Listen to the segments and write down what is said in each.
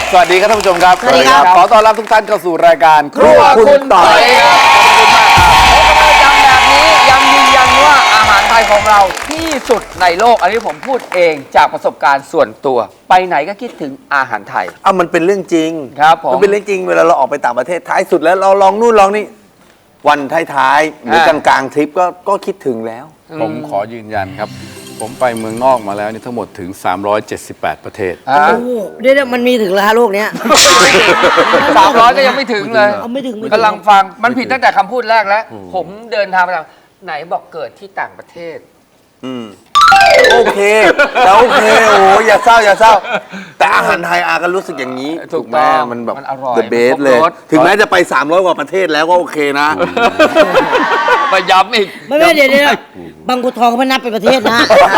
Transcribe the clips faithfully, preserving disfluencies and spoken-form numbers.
สวัสดีครับท่านผู้ชมครับสวัสดีครับขอต้อนรับทุกท่านเข้าสู่รายการครัวคุณต่อยครับขอบคุณมากครับประจำแบบนี้ยังยืนยันว่าอาหารไทยของเราที่สุดในโลก อันนี้ผมพูดเองจากประสบการณ์ส่วนตัว ไปไหนก็คิดถึงอาหารไทยอ้าวมันเป็นเรื่องจริงครับผมมันเป็นเรื่องจริงเวลาเราออกไปต่างประเทศท้ายสุดแล้วเราลองนู่นลองนี่วันท้ายๆหรือกลางๆทริปก็ก็คิดถึงแล้วผมขอยืนยันครับ ผมไปเมืองนอกมาแล้วนี่ทั้งหมดถึงสามร้อยเจ็ดสิบแปดประเทศอ่าโอ้โหเดี๋ยวๆมันมีถึงแล้วฮะโลกเนี้ยสามร้อยก็ยังไม่ถึงเลยเอาไม่ถึงไม่ถึงกำลังฟังมันผิดตั้งแต่คำพูดแรกแล้ว ผมเดินทางไปต่างไหนบอกเกิดที่ต่างประเทศอืมโอเคแต่โอเคโอ้ยอย่าเศร้าอย่าเศร้า แต่อาหารไทยอาก็รู้สึกอย่างนี้ถูกไหมต้องมันแบบมันอร่อย the มัน best ครบเลยรสถึงแม้จะไปสามร้อยกว่าประเทศแล้วก็โอเคนะมาย้ำอีกไม่ไม่เดี๋ยวเดี๋ยวบางบัวทองเขาไม่นับเป็นประเทศนะ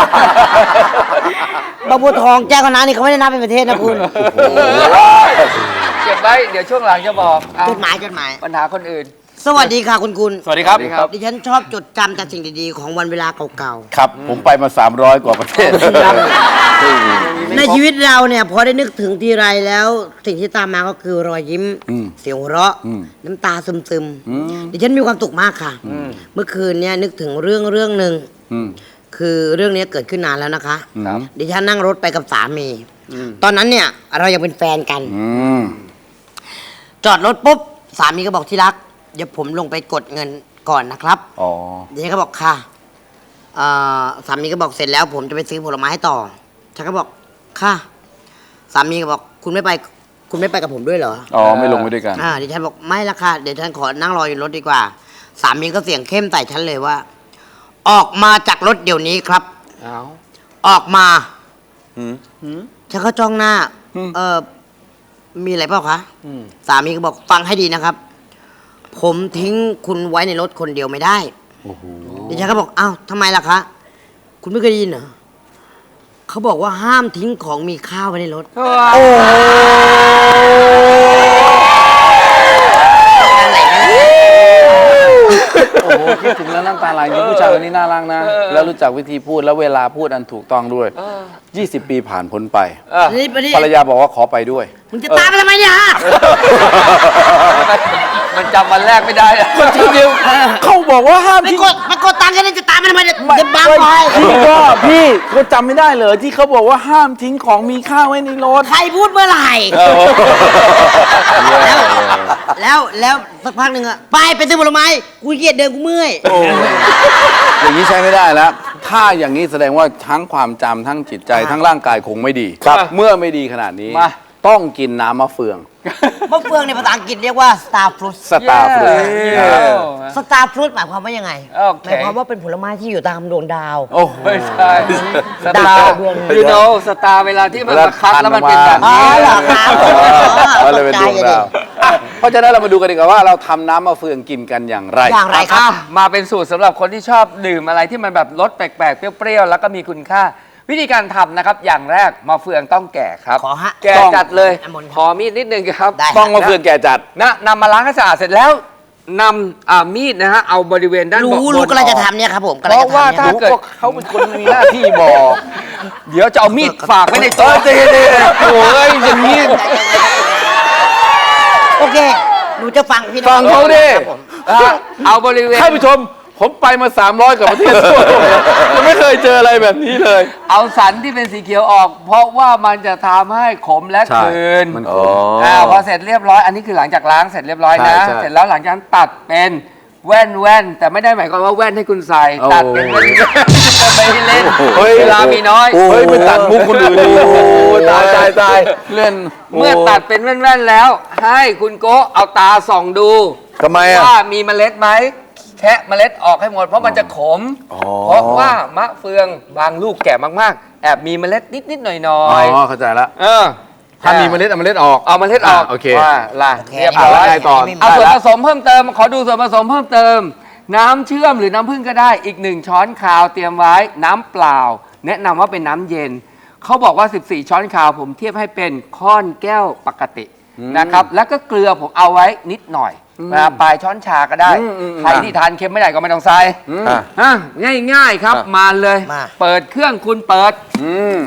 บางบัวทองแจ้งคณะนี่เขาไม่ได้นับเป็นประเทศนะคุณเก็บไว้เดี๋ยวช่วงหลังจะบอกอ่ะจดหมายจดหมายปัญหาคนอื่นสวัสดีค่ะคุณคุณสวัสดีครับสวัสดีครับดิฉันชอบจดจำแต่สิ่งดีๆของวันเวลาเก่าครับ ผมไปมาสามร้อยกว่าประเทศๆ ในชีวิตเราเนี่ยพอได้นึกถึงทีไรแล้ว สิ่งที่ตามมาก็คือรอยยิ้มอืมเสียงหัวเราะอืมน้ำตาซึมๆดิฉันมีความสุขมากค่ะ เมื่อคืนเนี่ยนึกถึงเรื่องเรื่องหนึ่งอืมคือเรื่องนี้เกิดขึ้นนานแล้วนะคะครับดิฉันนั่งรถไปกับสามี ตอนนั้นเนี่ยเรายังเป็นแฟนกันอืมจอดรถปุ๊บสามีก็บอกที่รัก เดี๋ยวผมลงไปกดเงินก่อนนะครับอ๋อเดี๋ยวฉันก็บอกค่ะเอ่อสามีก็บอกเสร็จแล้ว ผมจะไปซื้อผลไม้ให้ต่อ ฉันก็บอกค่ะ สามีก็บอกคุณไม่ไป คุณไม่ไปกับผมด้วยเหรออ๋อ ไม่ลงไปด้วยกันอ่าดิฉันบอกไม่ละค่ะ เดี๋ยวฉันขอนั่งรออยู่รถดีกว่า สามีก็เสียงเข้มใส่ฉันเลยว่า ออกมาจากรถเดี๋ยวนี้ครับเอาออกมาอืมฉันก็จ้องหน้า เออมีอะไรเปล่าคะ สามีก็บอกฟังให้ดีนะครับ ผมทิ้งคุณไว้ในรถคนเดียวไม่ได้โอ้โหดิฉันก็บอกอ้าวทำไมล่ะคะ คุณไม่เคยได้ยินเหรอเขาบอกว่าห้ามทิ้งของมีค่าไว้ในรถโอ้อะไรนะโอ้โหคิดถึงแล้วน้ำตาไหลจริงผู้ชายคนนี้น่ารักนะ แล้วรู้จักวิธีพูดแล้วเวลาพูดอันถูกต้องด้วย ยี่สิบ ปีผ่านพ้นไปนี่ปนี่ภรรยาบอกว่าขอไปด้วยมึงจะตามไปทำไมเนี่ยฮะมันจำวันแรกไม่ได้อะทีเดียวเขาบอกว่าห้ามไปทิ้งกดไปกดตังค์กันนี่จะตามไปทำไมเนี่ยจะบังไปพี่ก็พี่เขาจำไม่ได้เหรอที่เขาบอกว่าห้ามทิ้งของมีค่าไว้ในรถใครพูดเมื่อไหร่ แล้ว แล้วสักพักหนึ่งอะไปไปซื้อผลไม้กูเกียดเดินกูเมื่อยอย่างนี้ใช้ไม่ได้แล้ว ถ้าอย่างนี้แสดงว่าทั้งความจำทั้งจิตใจทั้งร่างกายคงไม่ดีครับเมื่อไม่ดีขนาดนี้มาต้องกินน้ำมะเฟืองมะเฟืองในภาษาอังกฤษเรียกว่า star fruit สตาร์ฟรุตเย้ star fruit หมายความว่ายังไงโอเคหมายความว่าเป็นผลไม้ที่อยู่ตามดวงดาวโอ้โหไม่ใช่สดาตาว ร์ดวงยูโนสตาร์เวลาที่มันมาคัดแล้วมันเป็นแบบอ๋อนี้เหรอครับก็เลยเป็นดวงดาวอ่ะเพราะฉะนั้นเรามาดูกันดีกว่าว่าเราทำน้ำมะเฟืองกินกันอย่างไรอย่างไรครับอ่ะมาเป็นสูตรสำหรับคนที่ชอบดื่มอะไรที่มันแบบรสแปลกๆ เปรี้ยวๆ แล้วก็มีคุณค่า วิธีการทำนะครับ อย่างแรกมะเฟืองต้องแก่ครับขอฮะแก่จัดเลยต้องขอมีดนิดนึงครับได้ต้องมะเฟืองแก่จัดนะนำมาล้างให้สะอาดเสร็จแล้วนำอ่ามีดนะฮะเอาบริเวณด้านบนรู้รู้กำลังจะทำเนี่ยครับผมกำลังเพราะจะว่าทำเนี่ยถ้าเกิดเขาเป็นคนมีหน้าที่บอกเดี๋ยวจะเอามีดฝากไว้ในโต๊ะเออเจ๊ๆโอ้ยอย่างนี้โอเค หนูจะฟังพี่น้ฟังเขาดิครับผมอ่ะเอาบริเวณท่านผู้ชม ผมไปมาสามร้อยกว่าประเทศทั่วโลกยังไม่เคยเจออะไรแบบนี้เลยเอาสันที่เป็นสีเขียวออก เพราะว่ามันจะทำให้ขมและใช่คืนมันอ๋ออ่าพอเสร็จเรียบร้อยอันนี้คือหลังจากล้างเสร็จเรียบร้อยนะใช่ใช่เสร็จแล้วหลังจากนั้นตัดเป็นแว่นแว่นแต่ไม่ได้หมายความว่าแว่นให้คุณใส่โอ้ตัดเป็นแว่นๆไม่ให้เล่นเฮ้ยเวลามีน้อยเฮ้ยไปตัดมุกคนอื่นดิโอ้โหตายตายตายเล่นเมื่อตัดเป็นแว่นๆแล้ว ให้คุณโกะเอาตาส่องดูทำไมอ่ะว่ามีเมล็ดไหมแคะเมล็ดออกให้หมดเพราะมันจะขมอ๋อเพราะว่ามะเฟืองบางลูกแก่มากๆ แอบมีเมล็ดนิดๆหน่อ๋อยอเข้าใจละๆเออถ้ามีเมล็ดเอาเมล็ดออกเอาเมล็ดออกอ่ะโอเคว่าล่ะโอเคเรียบอ่ะร้แล้วอยไงต่อเอาส่วนผสมเพิ่มเติม ขอดูส่วนผสมเพิ่มเติม น้ำเชื่อมหรือน้ำผึ้งก็ได้อีกหนึ่งช้อนคาวเตรียมไว้น้ำเปล่า แนะนำว่าเป็นน้ำเย็น เขาบอกว่า สิบสี่ ช้อนคาวผมเทียบให้เป็นค้อนแก้วปกตินะครับแล้วก็เกลือผมเอาไว้นิดหน่อยนะปลายช้อนชาก็ได้อืมอืมใครที่ทานเค็มไม่ได้ก็ไม่ต้องใส่อ่ะอ่ะง่ายๆครับอ่ะมาเลยมาเปิดเครื่องคุณเปิดอืม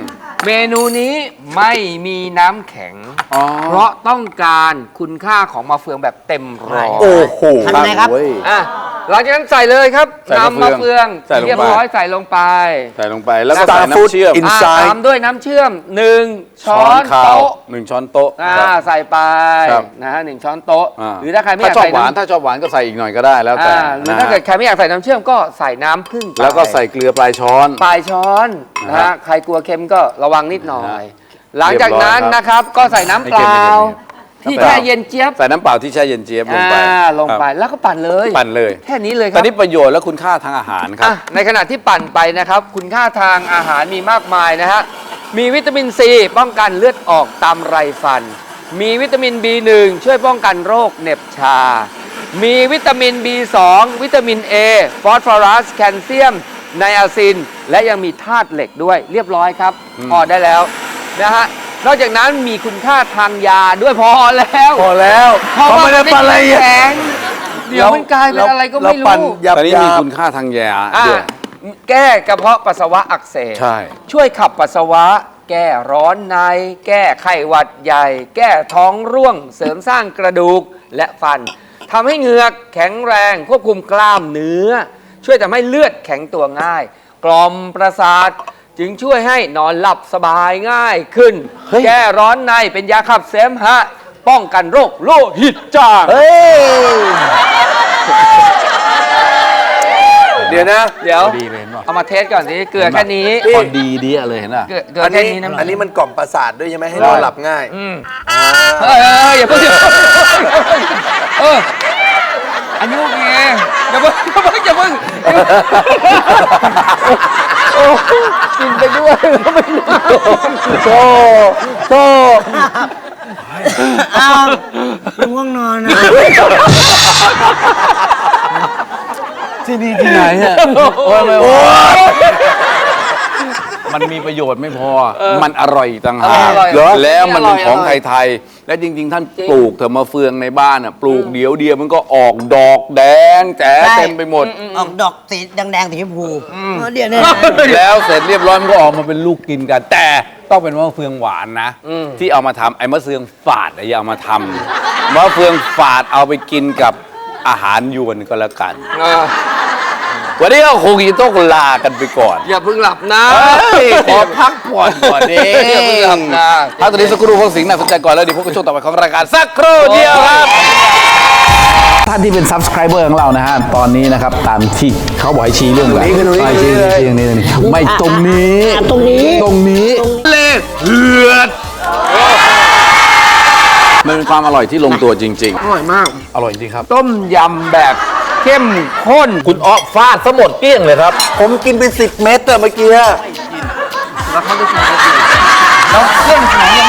เมนูนี้ไม่มีน้ำแข็งอ๋อเพราะต้องการคุณค่าของมะเฟืองแบบเต็มร้อยโอ้โหทำยังไงครับเว้ยอ่ะหลังจากนั้นใส่เลยครับใส่มะน้ำมะเฟืเฟืออง งใส่ลงไปเรียบร้อยใส่ลงไปใส่ลงไปแล้วก็ Star ใส่น้ำ Food เชื่อม in อ่ะ Inside ตามด้วยน้ำเชื่อมหนึ่งช้อนขาวโต๊ะหนึ่งช้อนโต๊ะอ่าครับใส่ไปครับนะฮะหนึ่งช้อนโต๊ะอ่าหรือถ้าใครไม่อากถ้ายชอบใส่หวานน้ำถ้าชอบหวานก็ใส่อีกหน่อยก็ได้แล้วแต่อ่าหรือนะถ้าเกิดใครไม่อยากใส่น้ำเชื่อมก็ใส่น้ำผึ้งไปแล้วก็ใส่เกลือปลายช้อนปลายช้อนนะนะฮะฮะใครกลัวเค็มก็ระวังนิดหน่อยนะหลังจากนั้นเรียบร้อยครับนะครับก็ใส่น้ำเปล่าไม่ที่เค็มไม่เค็มแช่เย็นเจี๊ยบใส่น้ำเปล่าที่แช่เย็นเจี๊ยบลงไปอ่าลงไปครับแล้วก็ปั่นเลยปั่นเลยแค่นี้เลยคตอรันบนี้ประโยชน์และคุณค่าทางอาหารครับอ่ะในขณะที่ปั่นไปนะครับ คุณค่าทางอาหารมีมากมายนะฮะมีวิตามินซีป้องกันเลือดออกตามไรฟัน มีวิตามิน บี หนึ่ง ช่วยป้องกันโรคเหน็บชา มีวิตามิน บี สอง วิตามิน A ฟอสฟอรัสแคลเซียมไนอาซิน และยังมีธาตุเหล็กด้วยเรียบร้อยครับพอได้แล้วนะฮะนอกจากนั้นมีคุณค่าทางยาด้วยพอแล้วพอแล้วเพราะว่าไม่ได้ปั่นอะไรแข็งเดี๋ยวมันกลายเป็นอะไรก็ไม่เราปั่นรู้หยาบตอนนี้มีๆคุณค่าทางยาอ่ะด้วยแก้กระเพาะปัสสาวะอักเสบใช่ช่วยขับปัสสาวะ แก้ร้อนใน แก้ไข้หวัดใหญ่ แก้ท้องร่วง เสริมสร้างกระดูกและฟันทำให้เหงือกแข็งแรงควบคุมกล้ามเนื้อ ช่วยทำให้เลือดแข็งตัวง่าย กล่อมประสาท จึงช่วยให้นอนหลับสบายง่ายขึ้น แก้ร้อนในเป็นยาขับเสมหะ ป้องกันโรคโลหิตจางเฮ้ย เดี๋ยวนะเดี๋ยวพอดีเลยเห็นป่ะเอามาเทสก่อนสิเกลือแค่นี้พอดีดีอะเลยเห็นป่ะเกลือเกลืออันแค่นี้นี้นะอันนี้มันกล่อมประสาทด้วยใช่ไหมให้ใช่นอนหลับง่ายอืมเออเอออย่าเพิ่งอย่าเพิ่งเอออันนี้โอเคอย่าเพิ่งอย่าเพิ่งอย่าเพิ่งโอ้กินไปด้วยแล้วไม่รู้โซ่โซ่อ้าวง่วงนอนนะที่นี่ที่ไหนอะโอ้ยไม่โอ้ยมันมีประโยชน์ไม่พอ มันอร่อยอีกต่างหากอร่อยเหรอแล้วมันเป็นของอร่อยไทยๆและจริง ๆ ท่านปลูกเถอะมาเฟืองในบ้านอ่ะปลูกเดียวเดียวมันก็ออกดอกแดงแจ๋เต็มไปหมดออกดอกสีแดงๆสีชมพูเออเดี๋ยวเนี่ยแล้วเสร็จเรียบร้อยมันก็ออกมาเป็นลูกกินกัน แต่ต้องเป็นมะเฟืองหวานนะ ที่เอามาทำไอ้มะเฟืองฝาดอะอย่าเอามาทำมะเฟืองฝาดเอาไปกินกับอาหารยวนก็แล้วกันเออวันนี้ก็คงจะต้องลากันไปก่อนอย่าเพิ่งหลับนะเฮ้ยขอพักผ่อนก่อนเองอย่าเพิ่งหลับนะพักตอนนี้สักครู่พวกสิ่งน่าสนใจก่อนแล้วเดี๋ยวพบกันช่วงต่อไปของรายการสักครู่เดียวครับ ท่านที่เป็น subscriber ของเรานะฮะ ตอนนี้นะครับ ตามที่เขาบอกให้ชี้เรื่องอะไรตรงนี้ให้ชี้ตรงนี้ชี้ตรงนี้ตรงนี้ไม่ตรงนี้อ่ะตรงนี้ตรงนี้เลขเหือดมันเป็นความอร่อยที่ลงตัวจริงอร่อยมากๆ อร่อยจริงครับต้มยำแบบเข้มข้นคุณอ้อฟาดซะหมดเกลี้ยงเลยครับผมกินไปสิบเม็ดอะเมื่อกี้แล้วเขาจะกินได้ดีแล้วเครื่องถึงเนี่ย